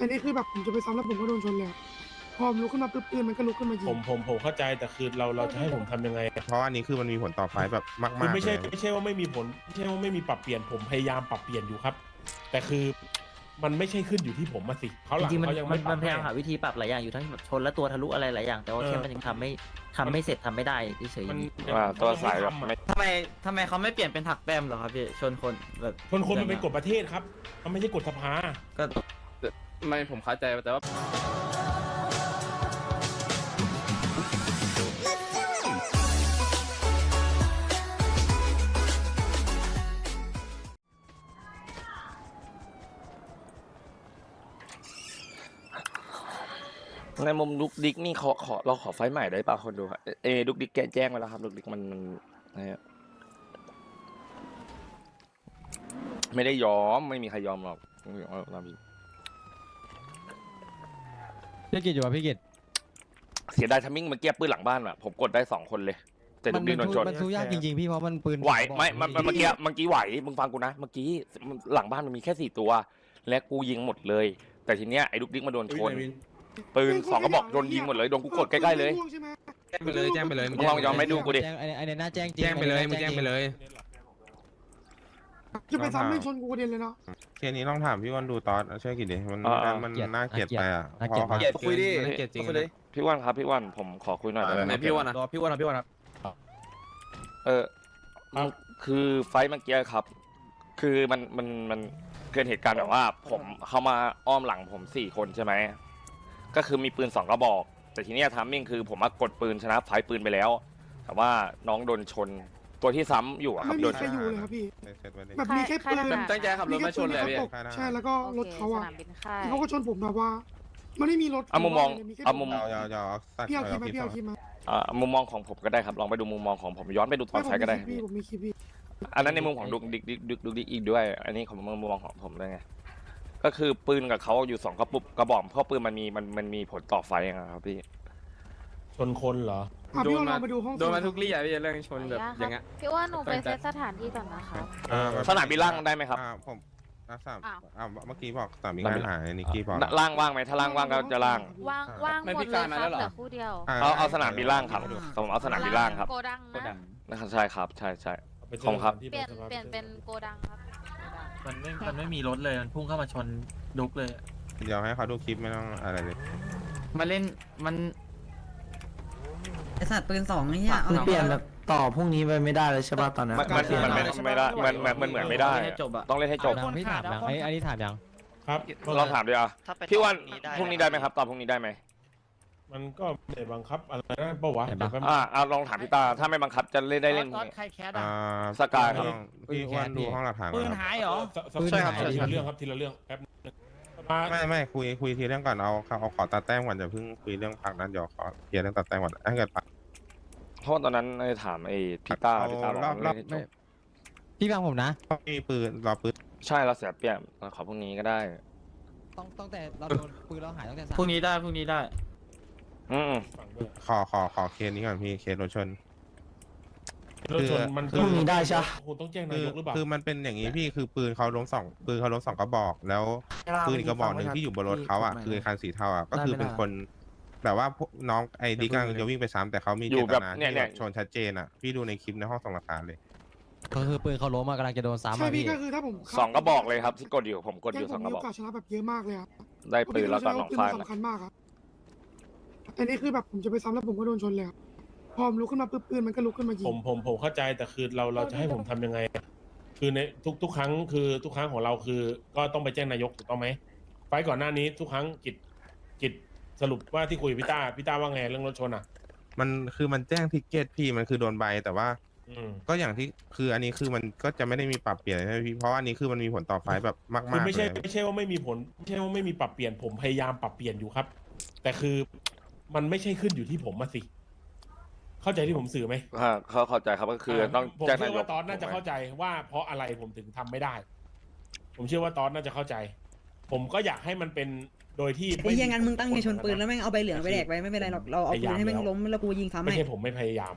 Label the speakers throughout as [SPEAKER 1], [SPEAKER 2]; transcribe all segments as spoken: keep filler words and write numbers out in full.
[SPEAKER 1] อันนี้คือแบบผมจะไปซ้ำแล้วผมก็โดนชนเลยพอผมลุกขึ้นมาปุ๊บปืนมันก็ลุกขึ้นมายิง
[SPEAKER 2] ผมผมผมเข้าใจแต่คือเราเราจะให้ผมทำยังไง
[SPEAKER 3] เพราะอันนี้คือมันมีผลต่อไฟแบบมาก
[SPEAKER 2] คือ
[SPEAKER 3] ๆ
[SPEAKER 2] ไม่ใช่
[SPEAKER 3] เลย
[SPEAKER 2] ไม่ใช่ว่าไม่มีผลไม่ใช่ว่าไม่มีปรับเปลี่ยนผมพยายามปรับเปลี่ยนอยู่ครับ แต่คือมันไม่ใช่ขึ้นอยู่ที่ผมมาสิเขาห
[SPEAKER 4] จ
[SPEAKER 2] ลัง
[SPEAKER 4] ริงๆมัน
[SPEAKER 2] เขายัง
[SPEAKER 4] มั
[SPEAKER 2] ไม่
[SPEAKER 4] น
[SPEAKER 2] ปรั
[SPEAKER 4] มั
[SPEAKER 2] บ
[SPEAKER 4] นพยายาม
[SPEAKER 2] ให้
[SPEAKER 4] หาวิธีปรับหลายอย่างอยู่ทั้งชนและตัวทะลุอะไรหลายอย่างแต่ว่า
[SPEAKER 2] เออ
[SPEAKER 4] แค่มันยังทำไม่ทำไม่เสร็จทำไม่ได้เฉย
[SPEAKER 2] มัน
[SPEAKER 5] อ่าตัวสายแบบ
[SPEAKER 2] ไม่
[SPEAKER 5] ไม่
[SPEAKER 6] ทำไมทำไมเขาไม่เปลี่ยนเป็นถักแต้มเหรอครับพี่ชนคนแบบ
[SPEAKER 2] คนคนมันเป็นกฎประเทศครับมันไม่ใช่กฎสภา
[SPEAKER 6] ก็
[SPEAKER 5] ไม่ผมเข้าใจแต่ว่า
[SPEAKER 7] ในมุมลุกดิกนี่ขอขอเราขอไฟล์ใหม่ได้ป่ะคนดูครับเอลุกดิกแกแจ้งมาแล้วครับลุกดิกมันมันนะฮะไม่ได้ยอมไม่มีใครยอมหรอกไม่ยอมหรอกนะพี่
[SPEAKER 8] พี่กิจอยู่ป่ะพี่กิจ
[SPEAKER 7] เสียดายทัมมิ่งเมื่อกี้ปืนหลังบ้านอ่ะผมกดได้สองคนเลย แต่ลุกดิกโดนชน
[SPEAKER 8] มันสู้ยากจริงๆพี่เพราะมันปืน
[SPEAKER 7] ไหวไม่มันมันเมื่อกี้เมื่อกี้ไหวมึงฟังกูนะเมื่อกี้หลังบ้านมันมีแค่สี่ตัว และกูยิงหมดเลย แต่ทีเนี้ยไอ้ลุกดิกมาโดนชนปืนสองกระบอกโดนยิงหมดเลยโดนกูกดใกล้ๆเลย
[SPEAKER 5] แจ้งไปเลยแจ้งไปเลย
[SPEAKER 7] มึงลองยอมไม่ดูกูดิ
[SPEAKER 8] แจ้งไอ้ไอ้ในหน้าแจ้งจริง
[SPEAKER 5] แจ้งไปเลยมึงแจ้งไปเลย
[SPEAKER 1] จะไปซ้ำไม่ชนกูกระเด็นเลยเนาะ
[SPEAKER 3] เคสนี้ต้องถามพี่วันดูตอนช่วยกี่ดิมันมันน่าเกลียดไปอ่ะเพราะเขา
[SPEAKER 5] เกลียดคุยดิเกลียดจริงเลย
[SPEAKER 7] พี่ว่านครับพี่ว่านผมขอคุยหน่อยได้ไหม
[SPEAKER 5] ไหนพี่วันนะพี่วันนะพี่วันครับ
[SPEAKER 7] เออคือไฟท์เมื่อกี้ครับ คือมันมันมันเกิดเหตุการณ์แบบว่า ผมเข้ามาอ้อมหลังผมสี่คนใช่ไหมก็คือมีปืนสองกระบอก แต่ทีเนี้ยทามมิ่งคือผมมากดปืนชนะไฟท์ปืนไปแล้ว แต่ว่าน้องโดนชนตัวที่ซ้ำอยู่อะครั
[SPEAKER 1] ไม่
[SPEAKER 7] บโด
[SPEAKER 1] มี
[SPEAKER 7] น
[SPEAKER 1] ใครอยู่เลยครับพี่
[SPEAKER 3] เสร็จไปเลย
[SPEAKER 1] แบบมีแค่ปืน
[SPEAKER 5] ตั้งใจขับรถมาชนเลยพี่
[SPEAKER 1] ใช่แล้วก็รถเขาอ่ะ
[SPEAKER 9] สนามบินค่าย
[SPEAKER 1] เขาก็ชนผมแบบว่ามันไม่มีรถ
[SPEAKER 7] เอามุมมองเอามุม
[SPEAKER 3] เอาเอาเอาสัก
[SPEAKER 1] พี่เอาคลิป
[SPEAKER 3] เอา
[SPEAKER 1] มา
[SPEAKER 3] คลิป
[SPEAKER 1] พี่เอาคลิปมา
[SPEAKER 7] อ่ามุมมองของผมก็ได้ครับลองไปดูมุมมองของผมย้อนไปดูตอนไฟท์ก็ได้
[SPEAKER 1] พี่ผมมีคลิปพี่
[SPEAKER 7] อันนั้นในมุมของดุกดิกดิกดิกดุกดิกอีกด้วย อันนี้ของมุมมองของผมด้วยไงก็คือปืนกับเขาอยู่สองกระปุกกระบอกเพราะปืนมันมีมันมันมีผลต่อไฟอะครับพี่
[SPEAKER 2] ชนคนเหรอ
[SPEAKER 1] อ่ะพี่ลองไปดูห้อง
[SPEAKER 5] โดนมาทุกลี่อ่ะพี่เรื่องชนแบบอย่างเงี้ย
[SPEAKER 9] พี่ว่าหนูไปเซตสถานที่ก่อนนะครับ
[SPEAKER 7] สนามบินล่างได้ไหมครับ
[SPEAKER 3] อ่าผมอ่าสาม
[SPEAKER 9] อ้าว
[SPEAKER 3] อ่าเมื่อกี้บอกสามมีงานหายนิกกี้บอก
[SPEAKER 7] ล่างว่างไหมถ้าล่างว่างก็จะล่าง
[SPEAKER 9] ว่างว่างหมดเลยครับเหลือคู่เดียว
[SPEAKER 7] เอาเอาสนามบินล่างครับผมเอาสนามบินล่างครับ
[SPEAKER 9] โกดังนะ
[SPEAKER 7] นะครับใช่ครับใช่ใช่
[SPEAKER 2] ไปเจ
[SPEAKER 7] ขอบคุณครับ
[SPEAKER 2] ที่
[SPEAKER 9] เปลี่ยน
[SPEAKER 2] สภา
[SPEAKER 9] เปลี่ยนเป็นโกดังครับ
[SPEAKER 6] มันไม่มันไม่มีรถเลยมันพุ่งเข้ามาชนดุกเลย
[SPEAKER 3] เดี๋ยวให้เขาดูคลิปไม่ต้องอะไรเลย
[SPEAKER 6] มาเล่นมัน
[SPEAKER 10] ไอสัตว์ปืนสองไอ้เหี้ยเอา
[SPEAKER 4] ๆเปลี่ยนแบบต่อพรุ่งนี้ไปไม่ได้เลยใช่ป่ะตอนนั้น
[SPEAKER 7] มันมันมันไม่ไม่ได้มันมันมันเหมือนไม่ได้
[SPEAKER 6] ให้จบอะ
[SPEAKER 7] ต้องเล่นให้จบ
[SPEAKER 8] ยังพี่ถามยังไอ้ไอ้นี่ถามยัง
[SPEAKER 2] ครับ
[SPEAKER 7] ลองถามดิอ่ะพี่วันพรุ่งนี้ได้ไหมครับตอบพรุ่งนี้ได้ไหม
[SPEAKER 2] มันก็ไม่ได้บังคับอะไรนะปะวะ
[SPEAKER 8] เห็นปะ
[SPEAKER 2] เดี๋ยวแป๊บ
[SPEAKER 7] อ่าเอาลองถามพี่ตาถ้าไม่บังคับจะเล่นได้เล่นพรุ่งนี้
[SPEAKER 6] ใครแคส
[SPEAKER 3] อ่า
[SPEAKER 7] สกายครับ
[SPEAKER 3] พี่อ้วันดูห้องหลักฐานก่
[SPEAKER 6] ปื
[SPEAKER 3] อน
[SPEAKER 6] น
[SPEAKER 3] ครับ
[SPEAKER 6] หายเหรอ
[SPEAKER 2] สส
[SPEAKER 8] ปืน
[SPEAKER 2] ใช่ครับ
[SPEAKER 8] หาย
[SPEAKER 2] ทีละเรื่องครับทีละเรื่องแป๊บนึงมา
[SPEAKER 3] ไม่ไม่คุยคุยทีเรื่องก่อนเอาเอาเอาขอตัดแต้มก่อนจะเพิ่งคุยเรื่องพักนั้นเดี๋ยวขอเคลียร์เรื่องตัดแต้มก่อนถ้าเกิดพัก
[SPEAKER 7] เพราะว่าตอนนั้นไอ้ถามไอ้พี่ตาพี่ตาบอก
[SPEAKER 3] รอบรอบ
[SPEAKER 7] เล่นให้จบ
[SPEAKER 8] พี่ฟังผมนะ
[SPEAKER 3] มีปืนรอปืน
[SPEAKER 7] ใช่เราเสียเปรียบขอพรุ่งนี้ก็ได้
[SPEAKER 8] ต้องต้องแต่เราโดนปืนเราหายตั้งแต่สาม
[SPEAKER 6] พรุ่งนี้ได้พรุ่งนี้ได้
[SPEAKER 7] อืม
[SPEAKER 2] ฝั่งด้วย
[SPEAKER 3] ขอขอขอเคสนี้ก่อนพี่เคสรถชน
[SPEAKER 2] รถชนมัน
[SPEAKER 3] คือ
[SPEAKER 2] พรุ่งนี้ได้ใช่คงต้องแจ้ง
[SPEAKER 3] คื
[SPEAKER 2] นา
[SPEAKER 3] อย
[SPEAKER 2] กหรือเปล่า
[SPEAKER 3] คือมันเป็นอย่างนี้พี่คือปืนเขาล้มสองปืนเขาล้มสองกระบอก แล้วปืนอีกกระบอกหนึ่งที่อยู่บนรถเขาอ่ะคือคันสีเทาอ่ะก็คือเป็นคน แบบว่าพวกน้องไอ้ดิกำลังจะวิ่งไปซ้ำแต่เขามี
[SPEAKER 7] อ
[SPEAKER 3] เจ
[SPEAKER 7] ยู่
[SPEAKER 3] ต
[SPEAKER 7] แบบ
[SPEAKER 3] นา
[SPEAKER 7] เนี่ย
[SPEAKER 3] ที่
[SPEAKER 7] เนี่ย
[SPEAKER 3] แบบชนชัดเจนอ่ะพี่ดูในคลิปในห้องส่งหลักฐานเลย
[SPEAKER 8] ก็คือปืนเขาล้มมากำลังจะโดนซ้ำ
[SPEAKER 1] ใช่
[SPEAKER 8] อ่ะ
[SPEAKER 1] พี่
[SPEAKER 8] พี่
[SPEAKER 1] ก็คือถ้าผม
[SPEAKER 7] สองกระบอกเลยครับที่กดอยู่ผมกดอยู่
[SPEAKER 1] แก๊
[SPEAKER 7] สอง
[SPEAKER 1] ผม
[SPEAKER 7] กระ
[SPEAKER 1] มี
[SPEAKER 7] บอ
[SPEAKER 1] โอก กาสชนะแบบเยอะมากเลยครับ
[SPEAKER 7] ได้ปืนแล้วก็หนอง
[SPEAKER 1] ปืน
[SPEAKER 7] ไฟ
[SPEAKER 1] มันสำคัญมากครับอันนี้คือแบบผมจะไปซ้ำแล้วผมก็โดนชนเลยครับพอผมลุกขึ้นมาปุ๊บปืนมันก็ลุกขึ้นมายิง
[SPEAKER 2] ผมผมผมเข้าใจแต่คือเราเราจะให้ผมทำยังไง คือในทุกทุกครั้งคือทุกครั้งของเราคือ ก็ต้องไปแจ้งนายกถูกต้องไหมไฟล์ก่อนหน้านี้ทุกครั้งกิจกิจสรุปว่าที่คุยกับพี่ต้าพี่ต้าว่าไงเรื่องรถชนอ่ะ
[SPEAKER 3] มันคือมันแจ้งทิกเก็ตพี่มันคือโดนใบแต่ว่า
[SPEAKER 2] อืม
[SPEAKER 3] ก็อย่างที่คืออันนี้คือมันก็จะไม่ได้มีปรับเปลี่ยนใช่ไหมพี่เพราะว่าอันนี้คือมันมีผลต่อไฟล์แบบมาก
[SPEAKER 2] คือ
[SPEAKER 3] ๆ
[SPEAKER 2] ไม่ใช่
[SPEAKER 3] เลย
[SPEAKER 2] ไม่ใช่ว่าไม่มีผลไม่ใช่ว่าไม่มีปรับเปลี่ยนผมพยายามปรับเปลี่ยนอยู่ครับ แต่คือมันไม่ใช่ขึ้นอยู่ที่ผมมาสิ เข้าใจที่ผมสื่อไหม
[SPEAKER 7] อ่าเขาเข้าใจครับก็คือต้อง
[SPEAKER 2] ผม
[SPEAKER 7] แจ้ง
[SPEAKER 2] เชื่
[SPEAKER 7] นา
[SPEAKER 2] อย
[SPEAKER 7] ก
[SPEAKER 2] ว่าตอนน่าจะเข้าใจว่าเพราะอะไรผมถึงทำไม่ได้ ผมเชื่อว่าตอนน่าจะเข้าใจ ผมก็อยากให้มันเป็นโดยที่
[SPEAKER 10] ไอ้เหี้ยงั้นมึงตั้งใจชนปืนแล้วแม่งเอาใบเหลืองไปแดกไปไม่เป็นไรหรอกเราเอาปืนให้แม่งล้มแล้วกูยิงซ้ำ
[SPEAKER 2] ไม่
[SPEAKER 10] ให้
[SPEAKER 2] ใช่ผมไม่พยายาม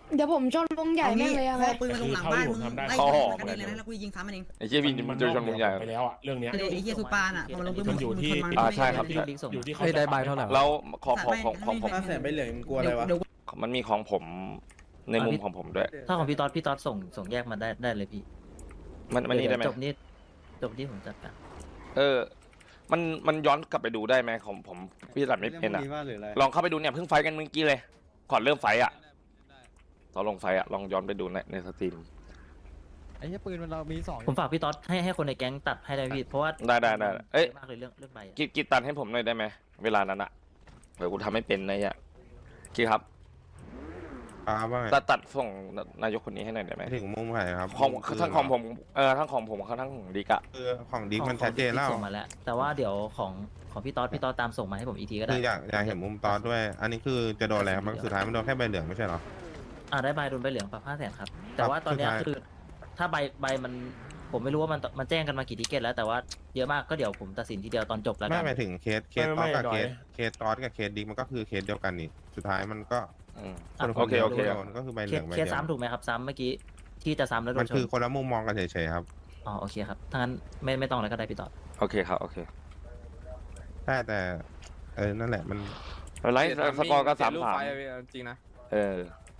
[SPEAKER 9] เดี๋ยวผมชนวงใหญ่
[SPEAKER 10] เอา
[SPEAKER 9] แม่
[SPEAKER 10] งี้
[SPEAKER 9] งเลยอะ
[SPEAKER 10] พอปืนมันลงหลังบ้านมึงไล่ยิงมันกระเด็นเลยนะแล้วกูยิงซ้ำมันเอง
[SPEAKER 7] ไอ้เหี้ยพี่มันเจอชนวงใหญ่
[SPEAKER 2] ไปแล้วอะเรื่องเนี้ย
[SPEAKER 10] ไอ้เหี้ยซูปานอ่ะพอมันลงปืน
[SPEAKER 2] มันอยู่ที่
[SPEAKER 10] มัน
[SPEAKER 7] อ่าใช่ครับ
[SPEAKER 10] ไม่
[SPEAKER 7] ใช่
[SPEAKER 10] ได้
[SPEAKER 2] อยู่ที่เขา
[SPEAKER 6] เฮ้ยได้ใบเท่าไหร่วะ
[SPEAKER 7] แล้วของของของของผม
[SPEAKER 10] ห้าแสนใบเหลืองกลัวอะไรวะ
[SPEAKER 7] มันมีของผมในมุมของผมด้วย
[SPEAKER 4] ถ้าของพี่ต๊อดพี่ต๊อดส่งส่งแยกมาได้ได้เลยพี่
[SPEAKER 7] มันมันนี่ได้ไหม
[SPEAKER 4] จบนี่จบนี่ผมจัดการ
[SPEAKER 7] เออ มันมันย้อนกลับไปดูได้ไหมของผมพี่ตัดไม่เป็นอ่ะลองเข้าไปดูเนี่ยเพิ่งไฟท์กันเมื่อกี้เลยก่อนเริ่มไฟท์อ่ะตอนลงไฟท์อ่ะลองย้อนไปดูในในสตรีม
[SPEAKER 8] ไอ้เหี้ยปืนมันเรามีสอง
[SPEAKER 4] ผมฝากพี่ต๊อดให้ให้คนในแก๊งตัดให้ได้พี่เพราะว่า
[SPEAKER 7] ได้ได้ได้เอ้ย
[SPEAKER 4] มากเลยเรื่องเรื่องใบอะ
[SPEAKER 7] กิกิตัดให้ผมหน่อยได้ไหมเวลานั้นอ่ะเดี๋ยวกูทำไม่เป็นนะเนี่ยกิครับ
[SPEAKER 3] ครับว่าไง
[SPEAKER 7] ตัดตัดส่งนายกคนนี้ให้หน่อยได้ไหม
[SPEAKER 3] ถึงมุมไหนครับ
[SPEAKER 7] ของ
[SPEAKER 3] ปืน
[SPEAKER 7] ทั้งของ
[SPEAKER 3] เหร
[SPEAKER 7] ผมเออทั้งของผมทั้งของดิกอะ
[SPEAKER 3] คือของดิกมัน
[SPEAKER 4] ของ
[SPEAKER 3] ชัดเจนแล้ว
[SPEAKER 4] ส่งมาแล้ว แต่ว่าเดี๋ยวของของพี่ต๊อดพี่ต๊อดตามส่งมาให้ผมอีกทีก็ได้
[SPEAKER 3] คืออยากอยากเห็นมุมตอนด้วย อันนี้คือจะโดนอะไรครับมันสุดท้ายมันโดนแค่ใบเหลืองไม่ใช่เหรอ
[SPEAKER 4] อ่าได้ใบโดนใบเหลืองปรับห้าแสนครับ แต่ว่าตอนเนี้ย
[SPEAKER 3] สุดท้าย
[SPEAKER 4] คือถ้าใบใบมันผมไม่รู้ว่ามันมันแจ้งกันมากี่ทิเกตแล้วแต่ว่าเยอะมากก็เดี๋ยวผมตัดสินทีเดียวตอนจบแล้ว
[SPEAKER 3] ไม่
[SPEAKER 4] กัน
[SPEAKER 3] หมายถึงเคสเคส
[SPEAKER 2] ไม่
[SPEAKER 3] ตอสกับ
[SPEAKER 2] ไม่
[SPEAKER 3] เค
[SPEAKER 2] ไม่
[SPEAKER 3] สเคสตอสกับเคสดิกมันก็คือเคสเดียวกันนี่สุดท้ายมันก็
[SPEAKER 7] อืม
[SPEAKER 3] คน
[SPEAKER 7] โอเคโอเค
[SPEAKER 3] โดนก็คือใบเห
[SPEAKER 4] เค
[SPEAKER 3] ลือ
[SPEAKER 4] ส
[SPEAKER 3] งใบ
[SPEAKER 4] เค
[SPEAKER 3] เดี
[SPEAKER 4] ส
[SPEAKER 3] ยว
[SPEAKER 4] ซ้ำถูกไหมครับซ้ำเมื่อกี้ที่จะซ้ำแล้วโด
[SPEAKER 3] มัน
[SPEAKER 4] นช
[SPEAKER 3] คือน คนละมุมมองกันเฉยๆครับ
[SPEAKER 4] อ๋อโอเคครับถ้างั้นไม่ไม่ต้องแล้วก็ได้พี่ต๊อด
[SPEAKER 7] โอเคครับโอเค
[SPEAKER 3] แต่แต่เออนั่นแหละมัน
[SPEAKER 7] อะไรสกอร์ก็สาม
[SPEAKER 5] ลูก
[SPEAKER 7] สาม
[SPEAKER 5] ไฟอะพี่จริงนะ
[SPEAKER 7] เออ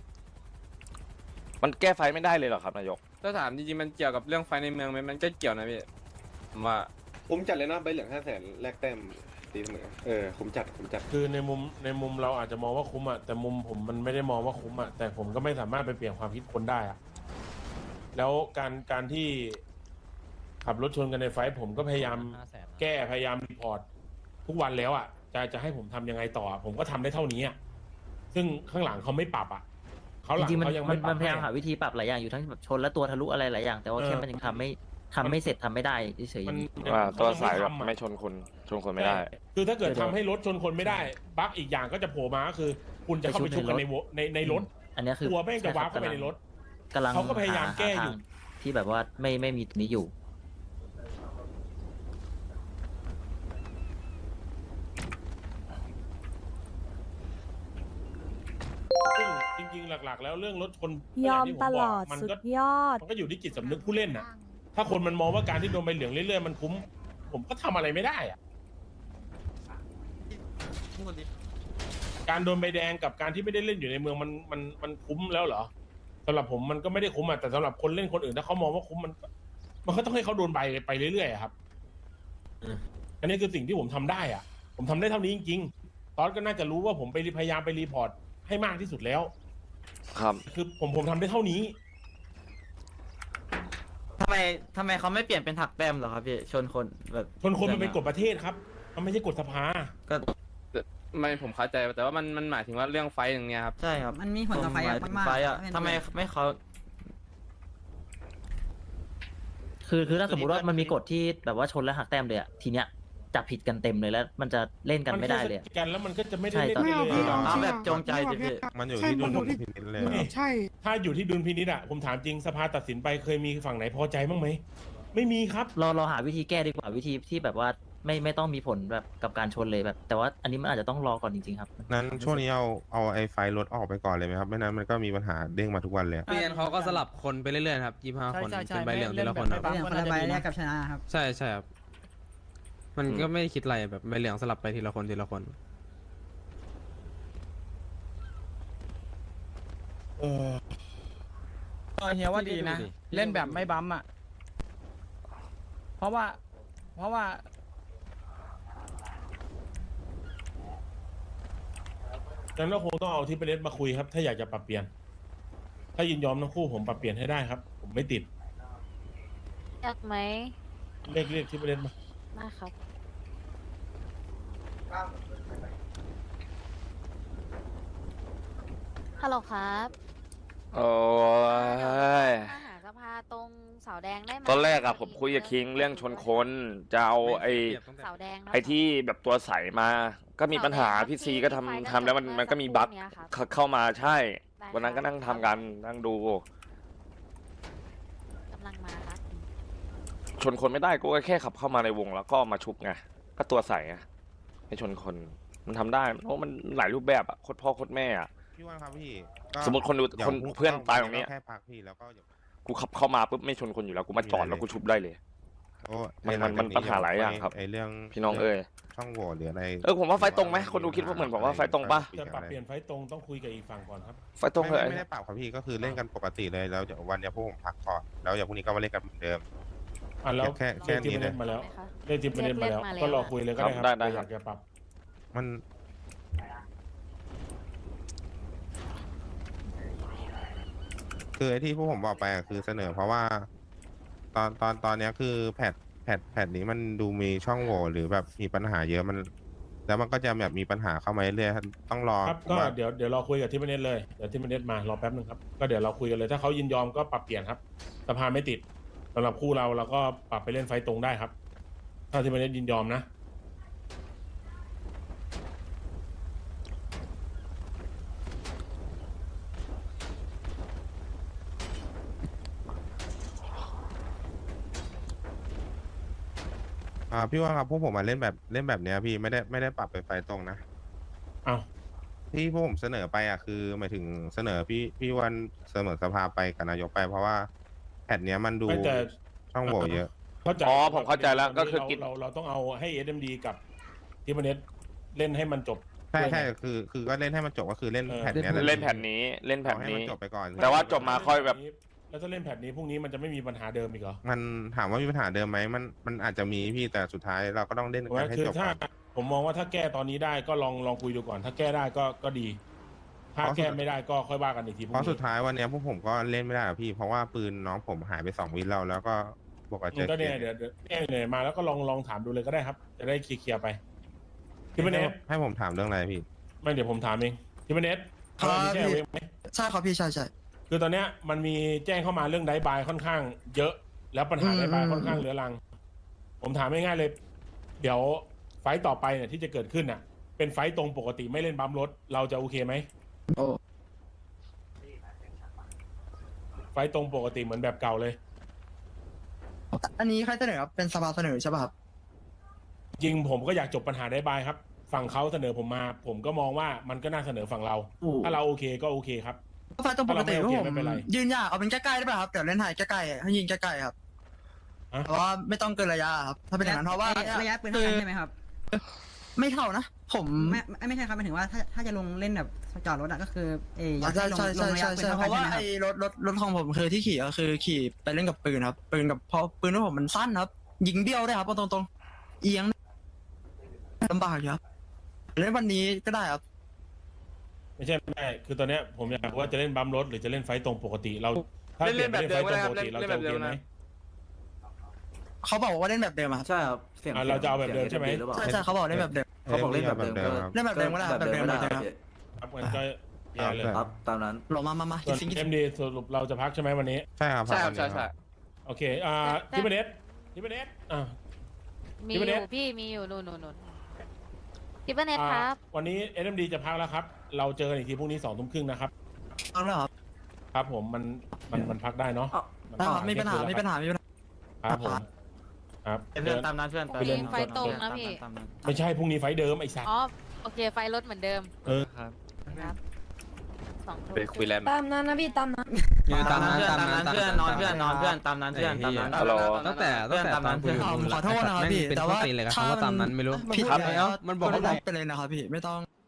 [SPEAKER 7] มันแก้ไฟไม่ได้เลยเหรอครับนายก
[SPEAKER 5] ถ้าถามจริงๆมันเกี่ยวกับเรื่องไฟในเมืองไหมมันก็เกี่ยวนะพี่ผมว่า
[SPEAKER 11] ผมจัดเลยนะใบเหลืองห้าแสนแลกแต้มตีเสมอเออผมจัดผมจัด
[SPEAKER 2] คือในมุมในมุมเราอาจจะมองว่าคุ้มอะแต่มุมผมมันไม่ได้มองว่าคุ้มอะแต่ผมก็ไม่สามารถไปเปลี่ยนความคิดคนได้อะแล้วการการที่ขับรถชนกันในไฟท์ผมก็พยายาม
[SPEAKER 8] ห้าแสน
[SPEAKER 2] แก้พยายามรีพอร์ตทุกวันแล้วอะจะจะให้ผมทำยังไงต่ออะผมก็ทำได้เท่านี้อะซึ่งข้างหลังเขาไม่ปรับอะเขาห
[SPEAKER 4] จ
[SPEAKER 2] ลัง
[SPEAKER 4] ริงๆมัน
[SPEAKER 2] เขายัง
[SPEAKER 4] มั
[SPEAKER 2] ไม่
[SPEAKER 4] น
[SPEAKER 2] ปรั
[SPEAKER 4] มั
[SPEAKER 2] บ
[SPEAKER 4] นพยายาม
[SPEAKER 2] ให้
[SPEAKER 4] หาวิธีปรับหลายอย่างอยู่ทั้งแบบชนและตัวทะลุอะไรหลายอย่าง แต่ว่า
[SPEAKER 2] เออ
[SPEAKER 4] แค่มันยังทำไม่ทำไม่เสร็จทำไม่ได้เฉยๆ
[SPEAKER 2] มัน
[SPEAKER 7] ว่า
[SPEAKER 2] เข
[SPEAKER 7] ตัว
[SPEAKER 2] ยัง
[SPEAKER 7] สายแบบ
[SPEAKER 2] ทำอะ
[SPEAKER 7] ไม่ชนคนชนคนไม่ได้
[SPEAKER 2] ใช่คือถ้าเกิดทำให้รถชนคนไม่ได้บั๊กอีกอย่างก็จะโผล่มาก็คือ คุณจะเข้าไปชุบกันในวในในรถ
[SPEAKER 4] อันเนี้ยคือ
[SPEAKER 2] ตัวแม่งจะวาร์ปเข้าไปในรถ
[SPEAKER 4] กำลัง
[SPEAKER 2] เขาก็พยายามแก้อยู่
[SPEAKER 4] หทงที่แบบว่าไม่ไม่มีตรงนี้อยู่
[SPEAKER 2] ซึ่งจริงๆ หลักๆ แล้วเรื่องรถชน
[SPEAKER 9] ยอม
[SPEAKER 2] างที่ผ
[SPEAKER 9] ต
[SPEAKER 2] บ
[SPEAKER 9] ล
[SPEAKER 2] ก
[SPEAKER 9] อด
[SPEAKER 2] มัน
[SPEAKER 9] สุ
[SPEAKER 2] ก็
[SPEAKER 9] ดยอด
[SPEAKER 2] มันก็อยู่ที่จิตสำนึกผู้เล่นน่ะ ถ้าคนมันมองว่าการที่โดนใบเหลืองเรื่อยๆมันคุ้ม ผมก็ทำอะไรไม่ได้อะการโดนใบแดงกับการที่ไม่ได้เล่นอยู่ในเมืองมันมันมันคุ้มแล้วเหรอสำหรับผมมันก็ไม่ได้คุ้มอ่ะแต่สำหรับคนเล่นคนอื่นถ้าเขามองว่าคุ้มมันก็มันก็ต้องให้เขาโดนใบไปเรื่อยๆอะครับอันนี้คือสิ่งที่ผมทำได้อ่ะ ผมทำได้เท่านี้จริงๆตอนก็น่าจะรู้ว่าผมไปพยายามไปรีพอร์ตให้มากที่สุดแล้ว
[SPEAKER 7] ครับ
[SPEAKER 2] คือผมผมทำได้เท่านี้
[SPEAKER 5] ทำไมทำไมเขาไม่เปลี่ยนเป็นถักแต้มเหรอครับพี่ชนคนแบบ
[SPEAKER 2] ชนคนมันเป็นกฎประเทศครับ มันไม่ใช่กฎสภา
[SPEAKER 5] ก็ไม่ผมเข้าใจแต่ว่ามันมันหมายถึงว่าเรื่องไฟอย่างเนี้ยครับใช่ครับ
[SPEAKER 10] มันมีผลต่อไฟอะมากๆ
[SPEAKER 5] ไฟอะ
[SPEAKER 10] เป็น
[SPEAKER 5] ทำไมไม่เขา
[SPEAKER 4] คือคือถ้าสมมติว่ามันมีกฎที่แบบว่าชนและหักแต้มเลยอะทีเนี้ยจับผิดกันเต็มเลยแล้ว มันจะเล่นกันไม่ได้เลยอะ
[SPEAKER 2] นแค่สกันแล้วมันก็จะไม่ได้
[SPEAKER 4] ใช่
[SPEAKER 2] เล่น
[SPEAKER 4] ตอน
[SPEAKER 1] ไม่
[SPEAKER 2] กัน
[SPEAKER 1] เอา
[SPEAKER 2] เลย
[SPEAKER 1] พี่
[SPEAKER 2] อะ
[SPEAKER 1] เอา
[SPEAKER 5] เอา
[SPEAKER 1] จริง
[SPEAKER 5] แบบ
[SPEAKER 1] อะ
[SPEAKER 5] จงใจดิพี่
[SPEAKER 3] มันอยู่
[SPEAKER 1] ใช่
[SPEAKER 3] ที่ดุ
[SPEAKER 1] มัน
[SPEAKER 3] ล
[SPEAKER 1] อยู่ที่
[SPEAKER 3] พินิจเลย
[SPEAKER 2] ไม่
[SPEAKER 1] ใช่
[SPEAKER 2] ถ้าอยู่ที่ดุลพินิจอะผมถามจริงสภาตัดสินไปเคยมีฝั่งไหนพอใจบ้างไหมไม่มีครับ
[SPEAKER 4] เราเราหาวิธีแก้ดีกว่าวิธีที่แบบว่าไม่ไม่ต้องมีผลแบบกับการชนเลยแบบ แต่ว่าอันนี้มันอาจจะต้องรอก่อนจริงๆครับ
[SPEAKER 3] นั้นช่วงนี้เอาเอาไอ้ไฟรถออกไปก่อนเลยไหมครับไม่นั้นมันก็มีปัญหาเด้งมาทุกวันเลย
[SPEAKER 5] ไม่งั้นเขาก็สลับคนไปเรื่อยๆครับยี่ห้าคนเป็นใบเหลืองทีละคนครับ
[SPEAKER 10] เรื่องคนละใบแรกกับชนะครับ
[SPEAKER 5] ใช่ใช่ครับมันก็ไม่ได้คิดอะไรแบบใบเหลืองสลับไปทีละคนทีละคน
[SPEAKER 2] เออ
[SPEAKER 6] เฮียว่าดีนะ เล่นแบบไม่บั๊มอ่ะ เพราะว่า เพราะว่า
[SPEAKER 2] งั้นก็คงต้องเอาที่ไปเล่นมาคุยครับ ถ้าอยากจะปรับเปลี่ยน ถ้ายินยอมทั้งคู่ผมปรับเปลี่ยนให้ได้ครับ ผมไม่ติด
[SPEAKER 9] อยากไหม
[SPEAKER 2] เรียกเรียกที่ไปเล่นมา
[SPEAKER 9] นะครับ ฮัลโหลครับ
[SPEAKER 7] โอ้ย
[SPEAKER 9] มาหาสภาตรงเสาแดงได้ไหม
[SPEAKER 7] ตอนแรกอะผมคุยกับคิงเรื่องชนคนจะเอาไอ้
[SPEAKER 9] เสาแดงเนอะ
[SPEAKER 7] ไอ้ที่แบบตัวใสมา ก็มีปัญหาพี่ซีก็ทำทำแล้วมันมันก็มีบั๊กเข้าเข้ามาใช่ วันนั้นก็นั่งทำกันนั่งดู
[SPEAKER 9] กำลังมาครับ
[SPEAKER 7] ชนคนไม่ได้ก็แค่ขับเข้ามาในวงแล้วก็มาชุบไงก็ตัวใสไงไม่ชนคนมันทำได้เพราะมันหลายรูปแบบอะโคตรพ่อโคตรแม่อะ
[SPEAKER 3] พี่ว่าครับพี่ก็
[SPEAKER 7] สมมติคนดู
[SPEAKER 3] ดี๋ยว
[SPEAKER 7] คน
[SPEAKER 3] พรุ่ง
[SPEAKER 7] เพื่อนตายตรงนี้
[SPEAKER 3] แค่พักพี่แล้วก็อย่า
[SPEAKER 7] กูขับเข้ามาปุ๊บไม่ชนคนอยู่แล้วกูมาจอดแล้วกูชุบได้เลย
[SPEAKER 3] โอ้
[SPEAKER 7] มันมันมันปัญหาหลายอย่างครับ
[SPEAKER 3] ไอ้เรื่อง
[SPEAKER 7] พี่น้องเอ้ย
[SPEAKER 3] ช่องโหว่หรืออะไร
[SPEAKER 7] เออผมว่าไฟตรงไหมคนดูคิดว่าเหมือนผมว่าไฟตรงปะ
[SPEAKER 2] จะปรับเปลี่ยนไฟตรงต้องคุยกับอีกฝั่งก่อนครับ
[SPEAKER 7] ไฟตรง
[SPEAKER 3] ไม่
[SPEAKER 7] เลย
[SPEAKER 3] ไม่ไม่ได้ปรับครับพี่ก็คือเล่นกันปกติเลยแล้วเดี๋ยววันเนี้ยพวกผมพักก่อนแล้วเดี๋ยวพรุ่งนี้ก็มาเล่นกันเหมือนเดิม
[SPEAKER 2] อ่ะแล้ว
[SPEAKER 3] แค่แค่
[SPEAKER 2] เรียกทีม
[SPEAKER 3] นี้
[SPEAKER 2] เม
[SPEAKER 3] เลย
[SPEAKER 2] นต์มาแล้ว
[SPEAKER 9] ไหมคะ
[SPEAKER 2] เรียกทีมเมนต์มาแล้ว
[SPEAKER 9] เรียกมาแล้ว
[SPEAKER 2] ก็รอคุยเลยก็ได้ครับ
[SPEAKER 7] ได้ได้
[SPEAKER 2] อยา
[SPEAKER 7] ครั
[SPEAKER 2] ก
[SPEAKER 7] บ
[SPEAKER 2] จะปรับ
[SPEAKER 3] มันคือไอ้ที่พวกผมบอกไปอะคือเสนอเพราะว่า ตอนตอนตอนเนี้ยคือแพทแพทแพทนี้มันดูมีช่องโหว่หรือแบบมีปัญหาเยอะมัน แล้วมันก็จะแบบมีปัญหาเข้ามาเรื่อยๆต้องรอ
[SPEAKER 2] ครับก็
[SPEAKER 3] ว่า
[SPEAKER 2] เดี๋ยวเดี๋ยวเราคุยกับทีมเมนต์เลยเดี๋ยวทีมเมนต์มารอแป๊บนึงครับก็เดี๋ยวเราคุยกันเลยถ้าเขายินยอมก็ปรับเปลี่ยนครับสภาไม่ติดสำหรับคู่เราเราก็ปรับไปเล่นไฟตรงได้ครับ ถ้าทีมเมนต์ยินยอมนะ
[SPEAKER 3] อ่าพี่ว่าครับพวกผมมาเล่นแบบเล่นแบบเนี้ยพี่ไม่ได้ไม่ได้ปรับเป็นไฟตรงนะ
[SPEAKER 2] เอา
[SPEAKER 3] ที่พวกผมเสนอไปอ่ะคือหมายถึงเสนอพี่พี่วันเสนอสภาไปกับนายกไป เพราะว่าแพทเนี้ยมันดู
[SPEAKER 2] ไม่แต่
[SPEAKER 3] ช่องโหว่เยอะ
[SPEAKER 2] เข้าใจ
[SPEAKER 7] อ๋อผมเข้าใจแล้วก็คือ
[SPEAKER 2] เรา
[SPEAKER 7] กิน
[SPEAKER 2] เราเราต้องเอาให้ เอส เอ็ม ดี กับทีมเมนต์เล่นให้มันจบ
[SPEAKER 3] ใช่
[SPEAKER 2] ด้วย
[SPEAKER 3] ใช่
[SPEAKER 2] ไง
[SPEAKER 3] คือคือก็เล่นให้มันจบก็คือเล่น
[SPEAKER 2] เออ
[SPEAKER 3] แผ่นเนี้ยแหละ
[SPEAKER 7] เล่นแผ่นนี้เล่นแผ่น
[SPEAKER 3] ขอให้
[SPEAKER 7] นี้
[SPEAKER 3] มันจบไปก่อน
[SPEAKER 7] แต่ว่าจบมาค่อยแบบ
[SPEAKER 2] แล้วถ้าเล่นแพทนี้พรุ่งนี้มันจะไม่มีปัญหาเดิมอีกเหรอ
[SPEAKER 3] มันถามว่ามีปัญหาเดิมไหมมันมันอาจจะมีพี่แต่สุดท้ายเราก็ต้องเล่น
[SPEAKER 2] ถูก
[SPEAKER 3] กั
[SPEAKER 2] ไหม
[SPEAKER 3] นให้
[SPEAKER 2] คือ
[SPEAKER 3] จบ
[SPEAKER 2] ถ้า
[SPEAKER 3] ก่อน
[SPEAKER 2] ผมมองว่าถ้าแก้ตอนนี้ได้ก็ลองลองคุยดูก่อน ถ้าแก้ได้ก็ก็ดี ถ้า
[SPEAKER 3] เพราะ
[SPEAKER 2] แก้ไม่ได้ก็ค่อยว่ากันอีกทีพ
[SPEAKER 3] เพ
[SPEAKER 2] รุ่ง
[SPEAKER 3] ราะสุ
[SPEAKER 2] นี้
[SPEAKER 3] ดท้ายวันเนี้ยพวกผมก็เล่นไม่ได้อะพี่เพราะว่าปืนน้องผมหายไปสองวินเราแล้วก็บวกกับเจ
[SPEAKER 2] อืม
[SPEAKER 3] อ
[SPEAKER 2] ก็
[SPEAKER 3] เค
[SPEAKER 2] เนี่ยเดี๋ยวเดี๋ยวแก้เหนื่อยมาแล้วก็ลองลองถามดูเลยก็ได้ครับ จะได้เคลียร์ๆไปทีมเนส
[SPEAKER 3] ให้ผมถามเรื่องอะไรพี่
[SPEAKER 2] ไม่เดี๋ยวผมถามเองทีมเนส
[SPEAKER 6] ครับ
[SPEAKER 2] มีแก้เวงไหม
[SPEAKER 6] ใช่ครับพี่ใช่ใช่
[SPEAKER 2] คือตอนเนี้ยมันมีแจ้งเข้ามาเรื่องไดบายค่อนข้างเยอะ แล้วปัญหา
[SPEAKER 6] อืม
[SPEAKER 2] ไดบาย
[SPEAKER 6] อืม
[SPEAKER 2] ค่อนข้างเรื้อรัง ผมถามง่ายๆเลย เดี๋ยวไฟต์ต่อไปเนี่ยที่จะเกิดขึ้นน่ะ เป็นไฟต์ตรงปกติไม่เล่นบัมรถเราจะโอเคไหม
[SPEAKER 6] โอ้
[SPEAKER 2] ไฟต์ตรงปกติเหมือนแบบเก่าเลย
[SPEAKER 6] อันนี้ใครเสนอครับเป็นสภาเสนอใช่ป่ะครับ
[SPEAKER 2] จริงผมก็อยากจบปัญหาไดบายครับ ฝั่งเขาเสนอผมมา ผมก็มองว่ามันก็น่าเสนอฝั่งเรา ถ้าเราโอเคก็โอเคครับ
[SPEAKER 6] ไฟตรงปกติ
[SPEAKER 2] ถ้าเราไม่โอเค
[SPEAKER 6] ผม
[SPEAKER 2] ไม่เป็นไร
[SPEAKER 6] ยืนยากเอาเป็นใกล้ๆได้ป่ะครับเดี๋ยวเล่นไทยใกล้ๆให้ยิงใกล้ๆครับ
[SPEAKER 2] ฮะ
[SPEAKER 6] แต่ว่าไม่ต้องเกินระยะครับถ้าเป็นอย่างนั้นเพราะว่า
[SPEAKER 10] ระยะปืนเท่ากันใช่ไหมครับ
[SPEAKER 6] ไม่เท่านะ ผม
[SPEAKER 10] ไม่ไม่ไม่ใช่ครับหมายถึงว่าถ้าถ้าจะลงเล่นแบบจอดรถอะก็คือเอออยาก
[SPEAKER 6] ใช่
[SPEAKER 10] ให้ลง
[SPEAKER 6] ใช่
[SPEAKER 10] ล
[SPEAKER 6] ใช่
[SPEAKER 10] งระยะ
[SPEAKER 6] ใช่
[SPEAKER 10] ปืน
[SPEAKER 6] ใช่
[SPEAKER 10] เท่า
[SPEAKER 6] เพ
[SPEAKER 10] กัน
[SPEAKER 6] ราะว่า
[SPEAKER 10] ใช่ไหมค
[SPEAKER 6] ไอ้
[SPEAKER 10] รับ
[SPEAKER 6] รถรถรถของผมคือที่ขี่ก็คือขี่ไปเล่นกับปืนครับปืนกับเพราะปืนของผมมันสั้นครับ ยิงเบี้ยวได้ครับเอาตรงๆเอียงลำบากอยู่ครับเล่นวันนี้ก็ได้ครับ
[SPEAKER 2] ไม่ใช่ไม่ใช่คือตอนเนี้ยผมอยากรู้ว่าจะเล่นบัมรถหรือจะเล่นไฟต์ตรงปกติเรา ถ้า
[SPEAKER 5] เล่น
[SPEAKER 2] เปลี่ยน
[SPEAKER 5] เล่น
[SPEAKER 2] ไป
[SPEAKER 5] แบบ
[SPEAKER 2] เล่น
[SPEAKER 5] เดิ
[SPEAKER 2] ไฟ
[SPEAKER 5] ม
[SPEAKER 2] ต์
[SPEAKER 5] ก็
[SPEAKER 2] ต
[SPEAKER 5] ได้
[SPEAKER 2] รง
[SPEAKER 5] ครับเล่นเล่นแบบเดิม
[SPEAKER 2] ปกติเราจะโอเคไหม
[SPEAKER 5] นะ
[SPEAKER 6] เขาบอกว่าเล่นแบบเดิมอะครับ
[SPEAKER 12] ใช่ครับเสียง
[SPEAKER 2] อ่ะเราจะเอาแบบเดิมใช่ไหม
[SPEAKER 12] รือเปล่า
[SPEAKER 6] ใช่ใช่เขาบอกเล่นแบบเดิม
[SPEAKER 12] เขาบอกเล่นแบบเดิมก็
[SPEAKER 6] เล่นแบบเดิมก็ได้แบบเดิมก็ได้ครับ
[SPEAKER 2] ครับมันก็แย่เลย
[SPEAKER 12] ครับตามนั้น
[SPEAKER 6] หลงมามามา
[SPEAKER 2] ส่วน
[SPEAKER 6] สิง
[SPEAKER 2] เอ็มดีสรุปเราจะพักใช่ไหมวันนี้
[SPEAKER 3] ใช่ครับ
[SPEAKER 5] ใช่ครับ
[SPEAKER 3] วัน
[SPEAKER 5] ใช่
[SPEAKER 3] นี้
[SPEAKER 5] ใช่
[SPEAKER 2] โอเค อ่าทิปเนสทิปเนสอ่า
[SPEAKER 9] มี
[SPEAKER 2] พี่
[SPEAKER 9] อ
[SPEAKER 2] ประเด็น
[SPEAKER 9] ยู่พี่มีอยู่นู่นนู่นนู่นทิปเปอร์เน็ต
[SPEAKER 2] อ่า
[SPEAKER 9] ครับ
[SPEAKER 2] วันนี้เอ็มดีจะพักแล้วครับ เราเจอกันอีกทีพรุ่งนี้สองทุ่มครึ่งนะครับ
[SPEAKER 6] เอาแล้วครับ
[SPEAKER 2] ครับผมมันมันมันพักได้เนาะ
[SPEAKER 12] อ้าว
[SPEAKER 2] น
[SPEAKER 6] ได้ครับ
[SPEAKER 2] พัก
[SPEAKER 6] ไม่ปัญหา
[SPEAKER 2] เที่ยงคืน
[SPEAKER 6] ไม่ปัญหาไม่ปัญหา
[SPEAKER 2] ครับผมครับ
[SPEAKER 12] เพื่อนตามนั้นเพื่อน
[SPEAKER 9] พรุ่งนี้ไฟตรงนะพี่
[SPEAKER 12] ตามนั้น
[SPEAKER 2] ไม่ใช่พรุ่งนี้ไฟล์เดิมไอ้สัตว์
[SPEAKER 9] อ๋อ โอเค ไฟรถเหมือนเดิม
[SPEAKER 2] เออ
[SPEAKER 12] ครับ
[SPEAKER 9] ครับสองทุ่ม
[SPEAKER 5] ไปคุยแลนด์
[SPEAKER 10] ตามนั้นนะพี่ตามนั้น
[SPEAKER 12] ตามนั้นตามนั้นเพื่อนนอนเพื่อนนอนเพื่อนตามนั้นเพื่อนตามนั้น
[SPEAKER 7] ฮัลโหล
[SPEAKER 8] ตั้งแต่ตั้งแต่ตอนคุยกับ
[SPEAKER 6] เอา
[SPEAKER 8] ลุง
[SPEAKER 6] ขอโทษนะครับพี่
[SPEAKER 8] เป็น
[SPEAKER 6] แต่
[SPEAKER 8] ข้อ
[SPEAKER 6] ว่า
[SPEAKER 8] ตีนเลยครับ
[SPEAKER 6] ถ้า
[SPEAKER 8] คำว่าตามนั้นไม่รู้
[SPEAKER 6] ผิด
[SPEAKER 8] ครับ
[SPEAKER 6] แล้ว
[SPEAKER 8] มันบอกว่า
[SPEAKER 6] ก็ลบไปเลยนะครับพี่ไม่ต้อง